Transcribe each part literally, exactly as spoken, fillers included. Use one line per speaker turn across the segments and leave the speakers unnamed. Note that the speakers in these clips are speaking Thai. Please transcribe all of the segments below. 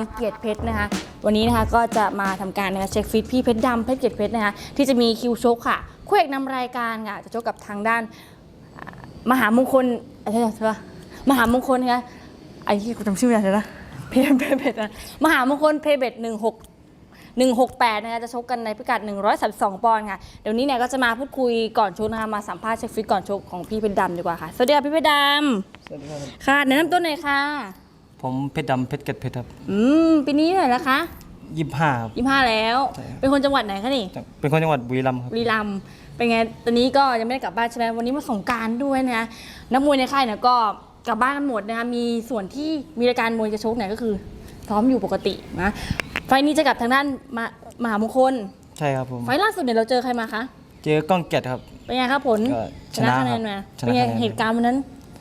เกียรติเพชรนะคะวันนี้นะคะก็จะมาทำการนะคะเช็คฟิตพี่เพชรดำเพชรเกียรติเพชรนะคะที่จะมีคิวชกค่ะคู่เอกนำรายการค่ะจะชกกับทางด้านมหามงคลอะไรใช่ปะมหามงคลนะคะไอ้ที่กูจำชื่อไม่ได้แล้วนะเพชรเพชรเพชรนะมหามงคลเพชรเบดหนึ่งหกหนึ่งหกแปดนะคะจะชกกันในพิกัดหนึ่งร้อยสามสิบสองปอนด์ค่ะเดี๋ยวนี้เนี่ยก็จะมาพูดคุยก่อนชกนะคะมาสัมภาษณ์เช็คฟิตก่อนชกของพี่เพชรดำดีกว่าค่ะสวัสดีค่ะพี่เพชรดำ
สวัสดีครับ
ค่ะแนะนำตัวหน่อยค่ะ
ผมเพชรดำเพชรเกตเพชรครับ
อืมปีนี้เท่าไหร่แล้วคะ
ยี่สิบห้าครับ
ยี่สิบห้าแล้วเป็นคนจังหวัดไหนคะนี่
เป็นคนจังหวัดบุรีรัมย์ครับ
บุรีรัมย์เป็นไงตอนนี้ก็ยังไม่ได้กลับบ้านใช่ไหมวันนี้มาสงกรานต์ด้วยนะนักมวยในค่ายเนี่ยก็กลับบ้านกันหมดนะคะมีส่วนที่มีรายการมวยจะชกเนี่ยก็คือซ้อมอยู่ปกตินะไฟนี้จะกลับทางด้านมามหามงคล
ใช่ครับผม
ไฟล่าสุดเนี่ยเราเจอใครมาคะ
เจอกล้องเกตครับ
เป็นไงครับผล
ชนะคะแนน
มาเป็นไงเหตุการณ์วันนั้น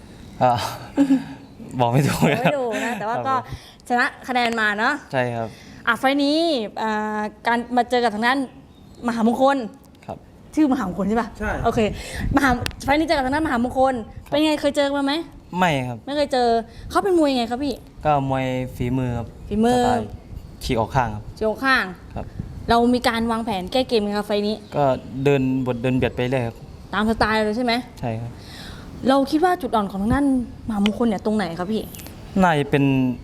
บอกไม่ถูก
ไม่ถูกนะแต่ว่าก็ชนะคะแนนมาเนาะ
ใช่ครับ
อ่ะไฟนี้การมาเจอกับทางด้านมหามงคล
ครับ
ชื่อมหามงคลใช่ป่ะ
ใช่
โอเคมหาไฟนี้เจอกับทางด้านมหามงคลเป็นไงเคยเจอมาไหม
ไม่ครับ
ไม่เคยเจอเขาเป็นมวยยังไงครับพี่
ก็มวยฝีมือครับ
ฝีมือ
ฉีกออกข้างครับ
ฉีกออกข้าง
ครับ
เรามีการวางแผนแก้เกมไหมครับไฟนี้
ก็เดินบทเดินเบียดไปเลยครับ
ตามสไตล์เลยใช่ไหม
ใช่ครับ
เราคิดว่าจุดอ่อนของทางด้านมหามงคลเนี่ยตรงไหนครับพี่
น่าจะเป็น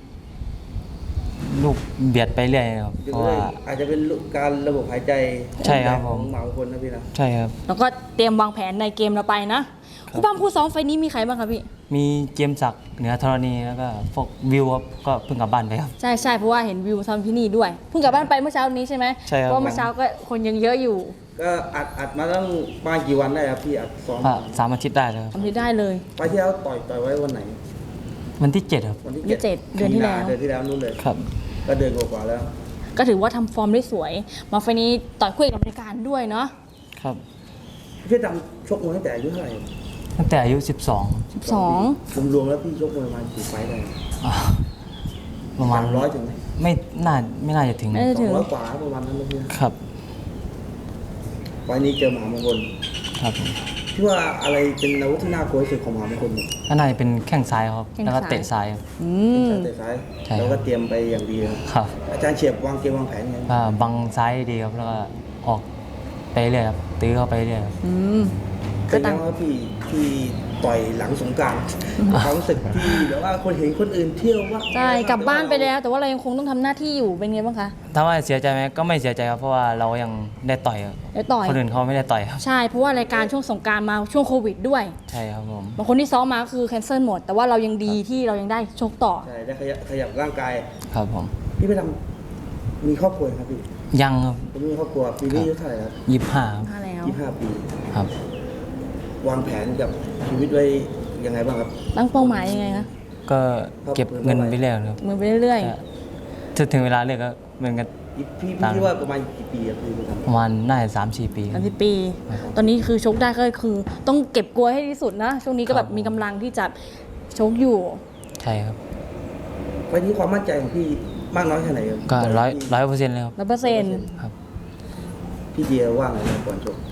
ลูกเบียดไปเรื่อยครับเพราะว่า
อาจจะเป็นการระบบหายใจ
ใช่ครับ
ของหมามงคลนะพี่นะ
ใช่ครับ
แล้วก็เตรียมวางแผนในเกมเราไปนะผู้ปั้มผู้ซ้อมไฟนี้มีใครบ้างครับพี่
มีเจมศักดิ์เหนือธรณีแล้วก็พวกวิวครับก็เพิ่งกลับบ้านไปครับ
ใช่ใช่เพราะว่าเห็นวิวทำที่นี่ด้วยเพิ่งกลับบ้านไปเมื่อเช้านี้ใช่ไหม
ใช่ครับ
เพราะเมื่อเช้าก็คนยังเยอะอยู่
ก็อัดอัดมาตั้งประมาณกี่วันได้ครับพี่อัดซ้อม
สามอาทิตย์ได้เลยครับ
ทำได้เลย
ไปที่แล้วต่อยต่อยไว้วันไหน
วันที่เจ็ดครับ
วันที่
เจ็ดเดือนที่แล้ว
เดือนที่แล้วนู่นเลย
ครับ
ก็เดือนกว่าแล้ว
ก็ถือว่าทำฟอร์มได้สวยมาไฟนี้ต่อยคู่เอกกับรายการด้วยเนาะ
ครับ
พี่ดำชกมวยตั้งแต่อายุเท่าไหร่
ตั้งแต่อายุสิบสอง
สิบสอง
รวมๆแล้วพี่ชกมวยประมาณกี่ไฟต์ได้
ประมาณ
ร้อยถึงไหม
ไม่น่าไม่น่าจะถึง
ไม่ถึง
ร้อยกว่าประมาณนั้นเลยพี่
ครับ
ไฟนี้เจอมหามงคล
ครับ
พี่ว่าอะไรเป็นอาวุธที่น่ากลัวที่สุดของมหามงคล
ก็น่าจะเป็นแข้งซ้ายครับแล้วก็เตะซ้ายครับ
อืม
เตะซ้ายแล้วก็เตรียมไปอย่างดี
ครับ
อาจารย์เฉียบวางเกมวางแผนไง
ก็บังซ้ายดีครับแล้วก็ออกไปเรื่อยครับตื้อเข้าไปเรื่อย
อืม
ก็ตั้งว่าพี่พี่ต่อยหลังสงกรานต์ความรู้สึกที่แบบว่าคนเห็นคนอื่นเที่ยวว่า
ใช่กลับบ้านไปแล้วแต่ว่าเรายังคงต้องทำหน้าที่อยู่เป็นไงบ้างคะ
ถ้าว่าเสียใจไหมก็ไม่เสียใจครับเพราะว่าเรายังได้ต่อย
ได้ต่อย
คนอื่นเขาไม่ได้ต่อยครับ
ใช่เพราะว่ารายการช่วงสงกรานต์มาช่วงโควิดด้วย
ใช่ครับผม
บางคนที่ซ้อมมาคือแคนเซิลหมดแต่ว่าเรายังดีที่เรายังได้ชกต่อ
ใช่ได้ขยับขยับร่างกาย
ครับผม
พี่ไปทำมีครอบครัวครับพี่
ยังครับ
ผมมีครอบครัวปีนี้อายุเท่าไหร่ครับ
ยี่สิบห้า
แล้ว
ยี่สิบห้าปี
ครับ
วางแผนกับชีวิตไว้ยังไงบ้างครับ
ตั้งเป้าหมายยังไงคะ
ก็เก็บเงินไปเรื่อยครับ
เงินไปเรื่อย
ๆถึงเวลาเลิกก็เหมือนกัน
พี่พี่คิดว่าประมาณกี่ปีครับพี่ทำ
ประมาณน่าจะสามสี่ปี
สามสี่ปีตอนนี้คือชกได้ก็คือต้องเก็บกลัวให้ที่สุดนะช่วงนี้ก็แบบมีกำลังที่จะชกอยู่
ใช่ครับ
วันนี้ความมั่นใจของพี่มากน้อยแค่ไหนครับ
ก็ร้อยร้อยเปอร์เซ็นต์เลยครับ
ร้อยเปอร์เซ็นต์
ครับ
พี่เดียว่าไงก่อนชก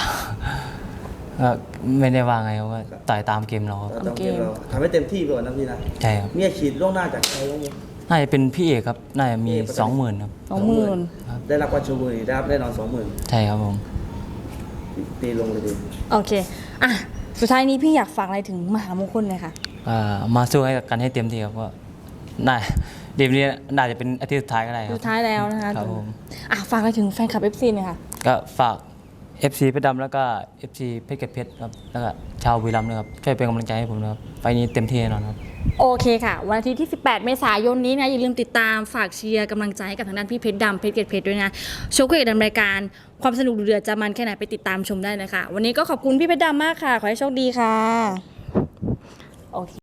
ไม่ได้ว่าไงครับว่าต่อยตามเกมเราครับ
ตามเกมเราทำให้เต็มที่ไปก่อนนะพี่นะ
ใช่ครับ
มีอาชีพล่วงหน้าจากใครบ้างไหม
น่าจะเป็นพี่เอกครับน่าจะมีสองหมื่นครับ
สองหมื่น
ได้รับวัชบุรีได้รับแน่นอนสองหมื่น
ใช่ครับผม
ตีลงเลยดี
โอเคอ่ะสุดท้ายนี้พี่อยากฝากอะไรถึงมหามงคลเลยค่ะ
มาสู้ให้กันให้เต็มที่ครับว่าน่าเดี๋ยวนี้น่าจะเป็นอาทิตย์สุดท้ายก็ได้ครับ
สุดท้ายแล้วนะคะ
ครับผม
อ่ะฝากอะไรถึงแฟนคลับ เอฟ ซี หน่อยค่ะ
ก็ฝาก เอฟ ซี เพชรดำแล้วก็ เอฟ ซี เพชรเกตเพชรครับแล้วก็ชาวบุรีรัมย์นะครับช่วยเป็นกำลังใจให้ผมนะครับไฟนี้เต็มที่แน่นอนครับ
โอเคค่ะวันอาทิตย์ที่สิบแปดเมษายนนี้นะอย่าลืมติดตามฝากเชียร์กำลังใจให้กับทางด้านพี่เพชรดำเพชรเกตเพชรด้วยนะโชว์คู่เอกดำรายการความสนุกเดือดจะมันแค่ไหนไปติดตามชมได้นะคะวันนี้ก็ขอบคุณพี่เพชรดำมากค่ะขอให้โชคดีค่ะโอเค